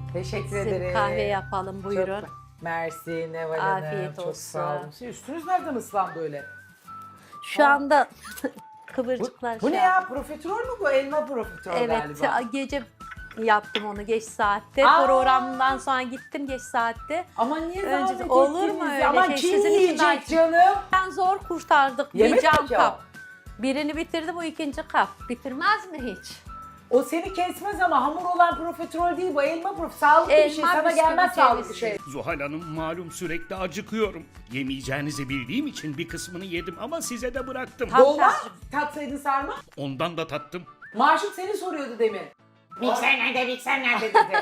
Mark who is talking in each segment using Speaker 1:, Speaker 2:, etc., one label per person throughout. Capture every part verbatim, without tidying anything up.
Speaker 1: Teşekkür
Speaker 2: Size
Speaker 1: ederim.
Speaker 2: kahve yapalım buyurun.
Speaker 1: Çok mersi Neval Hanım.
Speaker 2: Afiyet
Speaker 1: Çok
Speaker 2: olsun.
Speaker 1: sağ olun. Sizin üstünüz nereden ıslandı öyle?
Speaker 2: Şu anda
Speaker 1: Bu,
Speaker 2: kıvırcıklar
Speaker 1: bu ne
Speaker 2: şey
Speaker 1: ya? Profiterol mu bu? Elma profiterol
Speaker 2: Evet,
Speaker 1: galiba.
Speaker 2: gece yaptım onu geç saatte.
Speaker 1: Aa!
Speaker 2: Programdan sonra gittim geç saatte.
Speaker 1: Ama niye
Speaker 2: Önce-
Speaker 1: zahmet
Speaker 2: olur
Speaker 1: ettiniz
Speaker 2: mu
Speaker 1: ya?
Speaker 2: öyle
Speaker 1: Aman
Speaker 2: şey?
Speaker 1: kim
Speaker 2: Sizin için
Speaker 1: yiyecek
Speaker 2: belki-
Speaker 1: canım?
Speaker 2: Ben zor kurtardık
Speaker 1: Yemek
Speaker 2: bir cam
Speaker 1: mi ki o?
Speaker 2: kap. Birini bitirdi, bu ikinci kap. Bitirmez mi hiç?
Speaker 1: O seni kesmez ama hamur olan profiterol değil bu. Elma profiterol. Sağlıklı bir
Speaker 2: Elma,
Speaker 1: şey. Sana
Speaker 2: bisküvi,
Speaker 1: gelmez sağlıklı
Speaker 2: ceviz.
Speaker 1: şey.
Speaker 3: Zuhal Hanım malum sürekli acıkıyorum. Yemeyeceğinizi bildiğim için bir kısmını yedim ama size de bıraktım.
Speaker 2: Tam
Speaker 1: Dolma
Speaker 2: tersi.
Speaker 1: tatsaydın sarma.
Speaker 3: Ondan da tattım.
Speaker 1: Maşuk seni soruyordu demin. Mikser nerede, mikser nerede dedi.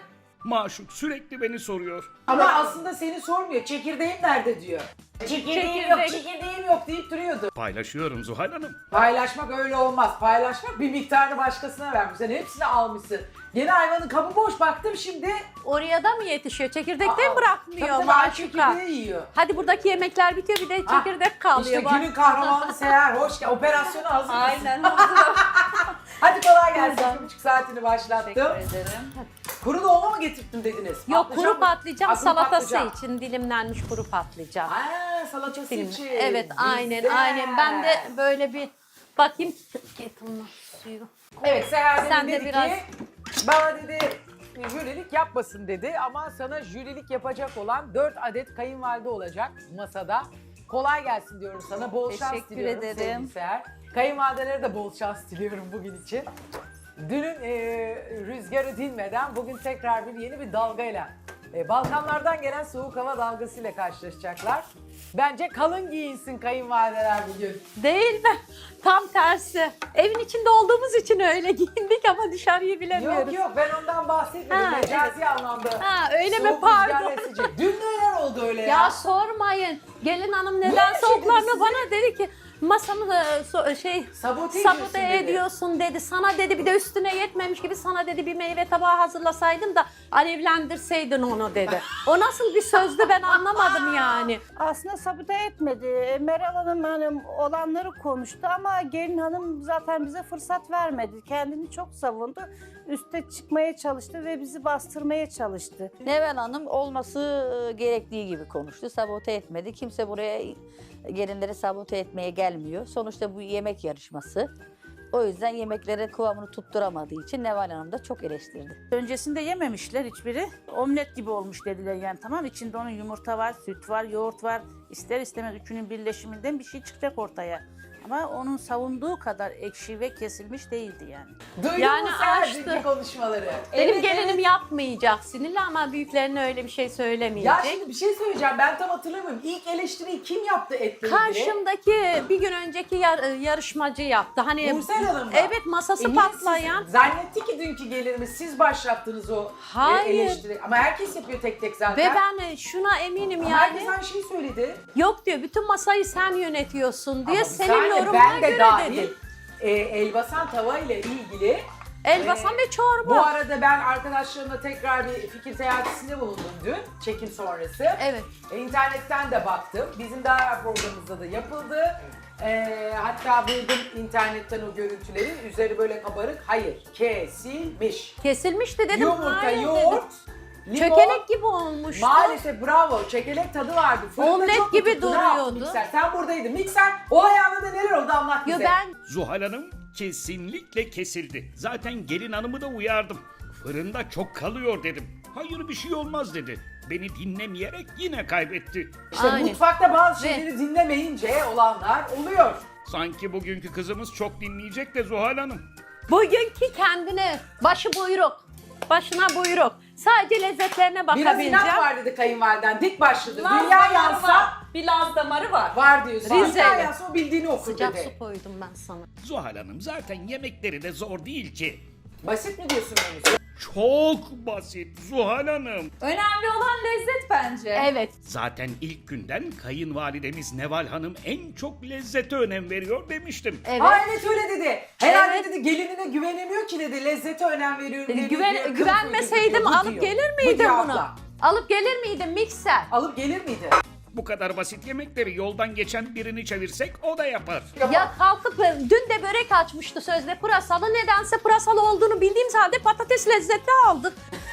Speaker 3: Maşuk sürekli beni soruyor.
Speaker 1: Ama aslında seni sormuyor. Çekirdeğim nerede diyor. Çekirdeğim yok,
Speaker 2: Çekirdek.
Speaker 1: çekirdeğim yok deyip duruyordu.
Speaker 3: Paylaşıyorum Zuhal Hanım.
Speaker 1: Paylaşmak öyle olmaz. Paylaşmak bir miktarını başkasına vermiş. Sen hepsini almışsın. Yeni hayvanın kabı boş baktım şimdi.
Speaker 2: Oraya da mı yetişiyor? Çekirdekten
Speaker 1: Aa, tabii
Speaker 2: bırakmıyor
Speaker 1: tabii,
Speaker 2: maşuka.
Speaker 1: çekirdeği yiyor.
Speaker 2: Hadi buradaki yemekler bitiyor, bir de
Speaker 1: Ah,
Speaker 2: çekirdek kalıyor.
Speaker 1: İşte
Speaker 2: bak.
Speaker 1: günün kahramanı Seher. Hoş geldin. Operasyona hazır mısın?
Speaker 2: Aynen hazırım.
Speaker 1: Hadi kolay gelsin.
Speaker 2: Buradan.
Speaker 1: Bir buçuk saatini başlattım.
Speaker 2: ederim.
Speaker 1: Kuru dolma mı getirttin dediniz?
Speaker 2: Yok,
Speaker 1: Patlıcan
Speaker 2: kuru
Speaker 1: mı?
Speaker 2: patlıcan
Speaker 1: Ha, kuru
Speaker 2: salatası
Speaker 1: patlıcan.
Speaker 2: için dilimlenmiş kuru patlıcan.
Speaker 1: Aa, salatası
Speaker 2: Dilim-
Speaker 1: için.
Speaker 2: Evet, aynen
Speaker 1: Güzel.
Speaker 2: aynen. Ben de böyle bir bakayım. Getirme suyu.
Speaker 1: Evet, Seher
Speaker 2: Sen
Speaker 1: Sen
Speaker 2: de
Speaker 1: dedi
Speaker 2: biraz-
Speaker 1: ki bana dedi jürilik yapmasın dedi ama sana jürilik yapacak olan dört adet kayınvalide olacak masada. Kolay gelsin diyorum sana. Bol şans
Speaker 4: Teşekkür
Speaker 1: diliyorum
Speaker 4: ederim.
Speaker 1: sevgili Seher. Kayınvalidelere de bol şans diliyorum bugün için. Dünün e, rüzgarı dinmeden bugün tekrar bir yeni bir dalgayla e, Balkanlardan gelen soğuk hava dalgasıyla karşılaşacaklar. Bence kalın giyinsin kayınvalideler bugün.
Speaker 2: Değil mi? Tam tersi. Evin içinde olduğumuz için öyle giyindik ama dışarıyı bilemiyoruz.
Speaker 1: Yok yok ben ondan bahsetmedim.
Speaker 2: Ha,
Speaker 1: Mecazi anlamda.
Speaker 2: Ha, öyle mi?
Speaker 1: Soğuk
Speaker 2: Pardon.
Speaker 1: rüzgar esecek. Dün neler oldu öyle ya?
Speaker 2: Ya sormayın. Gelin hanım neden
Speaker 1: Böyle şey dedi
Speaker 2: soğuklarını
Speaker 1: size?
Speaker 2: bana dedi ki masamı da so- şey
Speaker 1: Sabote
Speaker 2: sabote
Speaker 1: ediyorsun dedi.
Speaker 2: ediyorsun dedi. Sana dedi, bir de üstüne yetmemiş gibi sana dedi bir meyve tabağı hazırlasaydın da alevlendirseydin onu dedi. O nasıl bir sözdü ben anlamadım yani.
Speaker 4: Aslında sabote etmedi. Meral Hanım hanım olanları konuştu ama gelin hanım zaten bize fırsat vermedi. Kendini çok savundu. Üste çıkmaya çalıştı ve bizi bastırmaya çalıştı.
Speaker 5: Neval Hanım olması e, gerektiği gibi konuştu. Sabote etmedi. Kimse buraya gelinleri sabote etmeye gelmiyor. Sonuçta bu yemek yarışması. O yüzden yemeklere kıvamını tutturamadığı için Neval Hanım da çok eleştirdi.
Speaker 6: Öncesinde yememişler hiçbiri. Omlet gibi olmuş dediler yani, tamam. İçinde onun yumurta var, süt var, yoğurt var. İster istemez üçünün birleşiminden bir şey çıkacak ortaya. Ama onun savunduğu kadar ekşi ve kesilmiş değildi yani.
Speaker 1: Duydun
Speaker 2: Yani
Speaker 1: mu Seher
Speaker 2: açtı.
Speaker 1: dünkü konuşmaları?
Speaker 2: Benim
Speaker 1: Evet,
Speaker 2: gelinim
Speaker 1: evet.
Speaker 2: yapmayacak sinirli ama büyüklerine öyle bir şey
Speaker 1: Ya
Speaker 2: söylemeyecek.
Speaker 1: şimdi bir şey söyleyeceğim. Ben tam hatırlamıyorum. İlk eleştiriyi kim yaptı etle ilgili?
Speaker 2: Karşımdaki bir gün önceki yar- yarışmacı yaptı. Hani
Speaker 1: Nursel Hanım mı?
Speaker 2: evet, masası
Speaker 1: E niye
Speaker 2: patlayan.
Speaker 1: siz- zannetti ki dünkü gelirimiz siz başlattınız o e,
Speaker 2: Hayır.
Speaker 1: eleştiri. Ama herkes yapıyor tek tek zaten.
Speaker 2: Ve ben şuna eminim
Speaker 1: Ama
Speaker 2: yani.
Speaker 1: herkes aynı şeyi söyledi.
Speaker 2: Yok diyor, bütün masayı sen yönetiyorsun diye
Speaker 1: Ama bir
Speaker 2: senin
Speaker 1: saniye,
Speaker 2: yorumuna
Speaker 1: ben de
Speaker 2: göre
Speaker 1: dahil,
Speaker 2: dedi.
Speaker 1: E, Elbasan tava ile ilgili
Speaker 2: Elbasan
Speaker 1: Ee,
Speaker 2: ve çorba.
Speaker 1: bu arada ben arkadaşlarımla tekrar bir fikir seyahatisinde bulundum dün, çekim sonrası.
Speaker 2: Evet.
Speaker 1: E, İnternetten de baktım. Bizim daha evvel programımızda da yapıldı. E, hatta buldum internetten o görüntüleri. Üzeri böyle kabarık. Hayır, kesilmiş.
Speaker 2: Kesilmişti dedim.
Speaker 1: Yumurta,
Speaker 2: hayır
Speaker 1: yoğurt,
Speaker 2: dedim.
Speaker 1: limon.
Speaker 2: Çökelek gibi olmuştu.
Speaker 1: Maalesef bravo. Çekelek tadı vardı. Fırında
Speaker 2: Omlet
Speaker 1: çok
Speaker 2: gibi
Speaker 1: tuttu. Ne yaptı
Speaker 2: duruyordu.
Speaker 1: Mikser? Sen buradaydın. Mikser, olay anında neler oldu anlat
Speaker 2: Yo,
Speaker 1: bize.
Speaker 2: ben
Speaker 3: Zuhal Hanım kesinlikle kesildi. Zaten gelin hanımı da uyardım. Fırında çok kalıyor dedim. Hayır bir şey olmaz dedi. Beni dinlemeyerek yine kaybetti.
Speaker 1: İşte
Speaker 2: Aynen.
Speaker 1: mutfakta bazı
Speaker 2: Ve-
Speaker 1: şeyleri dinlemeyince olanlar oluyor.
Speaker 3: Sanki bugünkü kızımız çok dinleyecek de Zuhal Hanım.
Speaker 2: bugünkü kendine başı buyruk. Başına buyruk. Sadece lezzetlerine
Speaker 1: Biraz inat
Speaker 2: bakabileceğim.
Speaker 1: var dedi kayınvaliden. Dik başladı.
Speaker 7: Laz
Speaker 1: Dünya
Speaker 7: damarı
Speaker 1: yansa
Speaker 7: var. Bir Laz damarı var.
Speaker 1: var diyorsun.
Speaker 2: Rize.
Speaker 1: Dünya yansa o bildiğini okur
Speaker 2: Sıcak
Speaker 1: dedi.
Speaker 2: su koydum ben sana.
Speaker 3: Zuhal Hanım zaten yemekleri de zor değil ki.
Speaker 1: Basit mi diyorsun menüsü?
Speaker 3: Çok basit Zuhal Hanım.
Speaker 7: Önemli olan lezzet bence.
Speaker 2: Evet.
Speaker 3: Zaten ilk günden kayınvalidemiz Neval Hanım en çok lezzete önem veriyor demiştim.
Speaker 2: Evet.
Speaker 1: Ha evet öyle dedi. Herhalde
Speaker 2: Evet.
Speaker 1: dedi gelinine güvenemiyor ki dedi. Lezzete önem veriyorum
Speaker 2: Dedi,
Speaker 1: dedi.
Speaker 2: güven,
Speaker 1: diyor, kılıf
Speaker 2: güvenmeseydim
Speaker 1: uyduruyor. Bu
Speaker 2: alıp
Speaker 1: diyor.
Speaker 2: gelir
Speaker 1: Bu
Speaker 2: miydim
Speaker 1: diyor
Speaker 2: bunu?
Speaker 1: abla.
Speaker 2: Alıp gelir miydim mikser?
Speaker 1: Alıp gelir miydi?
Speaker 3: Bu kadar basit yemekleri yoldan geçen birini çevirsek o da yapar.
Speaker 2: Ya kalkıp dün de börek açmıştı sözde pırasalı. Nedense pırasalı olduğunu bildiğim halde patates lezzeti aldık.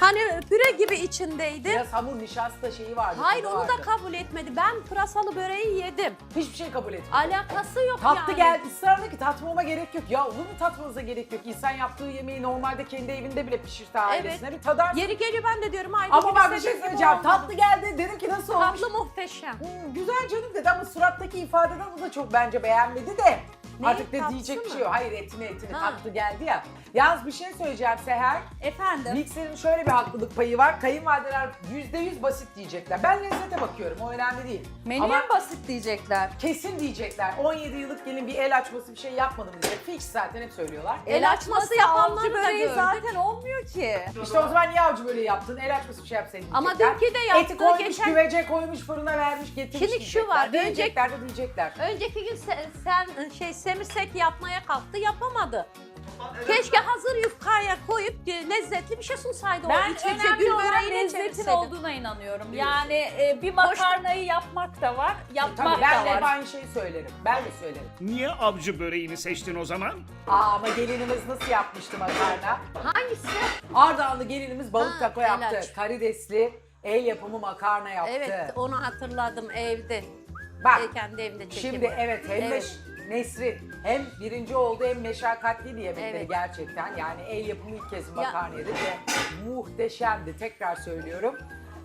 Speaker 2: Hani püre gibi içindeydi.
Speaker 1: Biraz hamur nişasta şeyi vardı.
Speaker 2: Hayır
Speaker 1: tadı
Speaker 2: onu da
Speaker 1: vardı.
Speaker 2: kabul etmedi. Ben pırasalı böreği yedim.
Speaker 1: Hiçbir şey kabul etmedi.
Speaker 2: Alakası yok
Speaker 1: Tatlı
Speaker 2: yani.
Speaker 1: geldi, ısrarla ki tatmama gerek yok. Ya olur mu tatmanıza gerek yok? İnsan yaptığı yemeği normalde kendi evinde bile pişirse ailesine bir tadarsın.
Speaker 2: Yeri geliyor ben de diyorum aynı
Speaker 1: Ama
Speaker 2: gibi
Speaker 1: bak bir şey
Speaker 2: senin gibi
Speaker 1: söyleyeceğim.
Speaker 2: olmadı.
Speaker 1: Tatlı geldi, dedim ki nasıl olmuş?
Speaker 2: Tatlı muhteşem.
Speaker 1: Hmm, güzel canım dedi ama surattaki ifadeden o da çok bence beğenmedi de.
Speaker 2: Neyi,
Speaker 1: Artık da
Speaker 2: tatlısı
Speaker 1: diyecek bir
Speaker 2: mı?
Speaker 1: şey yok. Hayır etini etini
Speaker 2: Ha.
Speaker 1: tatlı geldi ya. Yalnız bir şey söyleyeceğim Seher.
Speaker 7: Efendim.
Speaker 1: Mikserin şöyle bir haklılık payı var. Kayınvalideler yüzde yüz basit diyecekler. Ben lezzete bakıyorum. O önemli değil.
Speaker 7: Menüye
Speaker 1: Ama
Speaker 7: mi basit diyecekler?
Speaker 1: kesin diyecekler. on yedi yıllık gelin bir el açması bir şey yapmadım diyecek. Fix zaten hep söylüyorlar.
Speaker 2: El açması yapanları
Speaker 7: avcı
Speaker 2: da
Speaker 7: böreği
Speaker 2: gördük.
Speaker 7: zaten olmuyor ki.
Speaker 1: İşte o zaman niye avcı böyle yaptın? El açması bir şey yapsaydın
Speaker 2: Ama
Speaker 1: diyecekler.
Speaker 2: dünkü de yaptı,
Speaker 1: Eti koymuş,
Speaker 2: geçen-
Speaker 1: güvece koymuş, fırına vermiş, getirmiş
Speaker 2: Şimdi şu
Speaker 1: diyecekler.
Speaker 2: var,
Speaker 1: Diyecekler de diyecekler.
Speaker 2: Önceki gün sen, sen şey semirsek yapmaya kalktı yapamadı. Keşke hazır yufkaya koyup e, lezzetli bir şey sunsaydı.
Speaker 7: Ben
Speaker 2: o içince
Speaker 7: önemli
Speaker 2: gül
Speaker 7: olan
Speaker 2: böreğiyle
Speaker 7: lezzetin
Speaker 2: çevirseydi.
Speaker 7: olduğuna inanıyorum. Yani e, bir makarnayı yapmak da var, yapmak
Speaker 1: Tabii ben
Speaker 7: da
Speaker 1: de hep
Speaker 7: var.
Speaker 1: aynı şeyi söylerim. Ben de söylerim.
Speaker 3: Niye avcı böreğini seçtin o zaman?
Speaker 1: Aa, ama gelinimiz nasıl yapmıştı makarna?
Speaker 2: Hangisi?
Speaker 1: Ardahanlı gelinimiz balık
Speaker 2: Ha,
Speaker 1: taco
Speaker 2: el
Speaker 1: yaptı.
Speaker 2: aç.
Speaker 1: Karidesli el yapımı makarna yaptı.
Speaker 2: Evet onu hatırladım evde.
Speaker 1: Bak
Speaker 2: E, kendi evinde çekim.
Speaker 1: şimdi evet hem
Speaker 2: Evet.
Speaker 1: Meş- Nesrin hem birinci oldu hem meşakkatliydi yemekleri
Speaker 2: Evet.
Speaker 1: gerçekten. Yani el yapımı ilk kez makarna yedi ve muhteşemdi. Tekrar söylüyorum.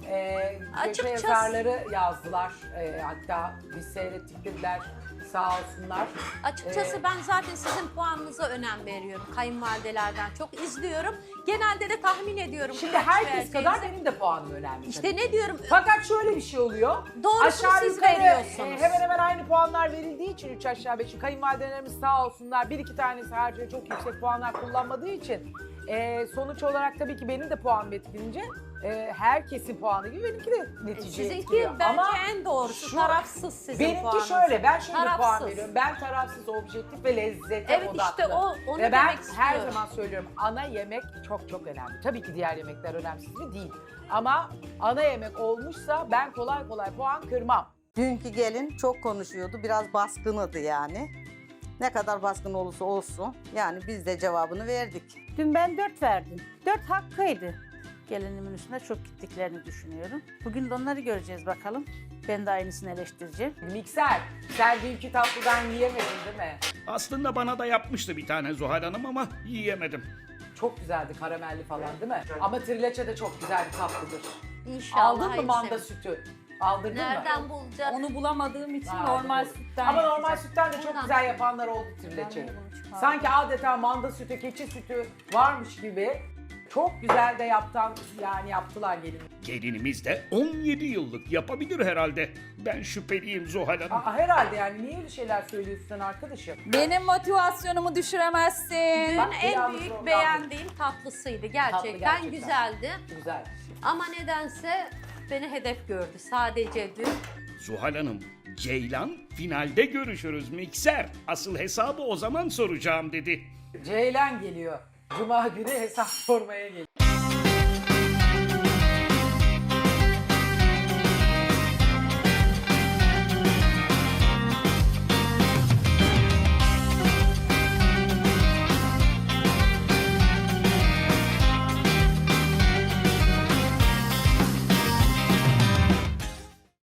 Speaker 1: Ee, köşe
Speaker 2: Açıkçası-
Speaker 1: yazarları yazdılar. Ee, hatta biz seyrettik dediler. Sağ olsunlar.
Speaker 2: Açıkçası
Speaker 1: Ee,
Speaker 2: ben zaten sizin puanınıza önem veriyorum. Kayınvalidelerden çok izliyorum. Genelde de tahmin ediyorum.
Speaker 1: Şimdi
Speaker 2: kaç
Speaker 1: herkes kadar
Speaker 2: vereceğinizi.
Speaker 1: benim de puanım önemli.
Speaker 2: İşte
Speaker 1: tabii.
Speaker 2: ne diyorum?
Speaker 1: Fakat şöyle bir şey oluyor.
Speaker 2: Doğrusunu
Speaker 1: Aşağı
Speaker 2: siz
Speaker 1: yukarı,
Speaker 2: veriyorsunuz.
Speaker 1: e, hemen hemen aynı puanlar verildiği için üç aşağı beş yukarı kayınvalidelerimiz sağ olsunlar. Bir iki tanesi harcıyor çok yüksek puanlar kullanmadığı için e, sonuç olarak tabii ki benim de puanım etkilince e, herkesin puanı gibi benimki de netice
Speaker 2: Sizinki
Speaker 1: etkiliyor.
Speaker 2: bence
Speaker 1: Ama
Speaker 2: en doğrusu
Speaker 1: şu-
Speaker 2: tarafsız sizin
Speaker 1: benimki
Speaker 2: puanınız.
Speaker 1: şöyle, ben şöyle puan
Speaker 2: Tarafsız.
Speaker 1: veriyorum. Ben tarafsız, objektif ve lezzete
Speaker 2: Evet,
Speaker 1: odaklı.
Speaker 2: işte o- onu
Speaker 1: ve ben
Speaker 2: demek
Speaker 1: her
Speaker 2: istiyorum.
Speaker 1: zaman söylüyorum ana yemek çok çok önemli. Tabii ki diğer yemekler önemsiz mi? Değil. Ama ana yemek olmuşsa ben kolay kolay puan kırmam.
Speaker 8: Dünkü gelin çok konuşuyordu. Biraz baskınıydı yani. Ne kadar baskın olursa olsun. Yani biz de cevabını verdik.
Speaker 4: Dün ben dört verdim. Dört hakkıydı.
Speaker 6: Gelinimin üstüne çok gittiklerini düşünüyorum. Bugün de onları göreceğiz bakalım. Ben de aynısını eleştireceğim.
Speaker 1: Mikser, sen dünkü tatlıdan yiyemedin değil mi?
Speaker 3: Aslında bana da yapmıştı bir tane Zuhal Hanım ama yiyemedim.
Speaker 1: Çok güzeldi karamelli falan değil mi? Ama trileçe de çok güzel bir tatlıdır.
Speaker 2: İnşallah.
Speaker 1: Aldın mı
Speaker 2: hayırlısı.
Speaker 1: manda sütü? Aldırdın mı?
Speaker 2: Nereden bulacağız?
Speaker 7: Onu bulamadığım için
Speaker 1: Ha,
Speaker 7: normal
Speaker 1: doğru.
Speaker 7: sütten
Speaker 1: Ama normal
Speaker 7: yapacağım.
Speaker 1: sütten de çok
Speaker 2: Buradan.
Speaker 1: güzel yapanlar oldu trileçeyi.
Speaker 7: Ben de bunu çıkardım.
Speaker 1: Sanki adeta manda sütü, keçi sütü varmış gibi çok güzel de yaptan yani yaptılar gelin.
Speaker 3: Gelinimiz de on yedi yıllık yapabilir herhalde. Ben şüpheliyim Zuhal Hanım.
Speaker 1: Aa, herhalde yani niye öyle şeyler söylüyorsun sen arkadaşım?
Speaker 7: Benim motivasyonumu düşüremezsin.
Speaker 2: Dün
Speaker 1: Bak, bir
Speaker 2: en
Speaker 1: anda
Speaker 2: büyük
Speaker 1: program-
Speaker 2: beğendiğim tatlısıydı. Gerçekten,
Speaker 1: gerçekten.
Speaker 2: güzeldi.
Speaker 1: Güzel.
Speaker 2: Ama nedense beni hedef gördü sadece dün.
Speaker 3: Zuhal Hanım, Ceylan finalde görüşürüz mikser. Asıl hesabı o zaman soracağım dedi.
Speaker 1: Ceylan geliyor. Cuma günü hesap sormaya geliyor.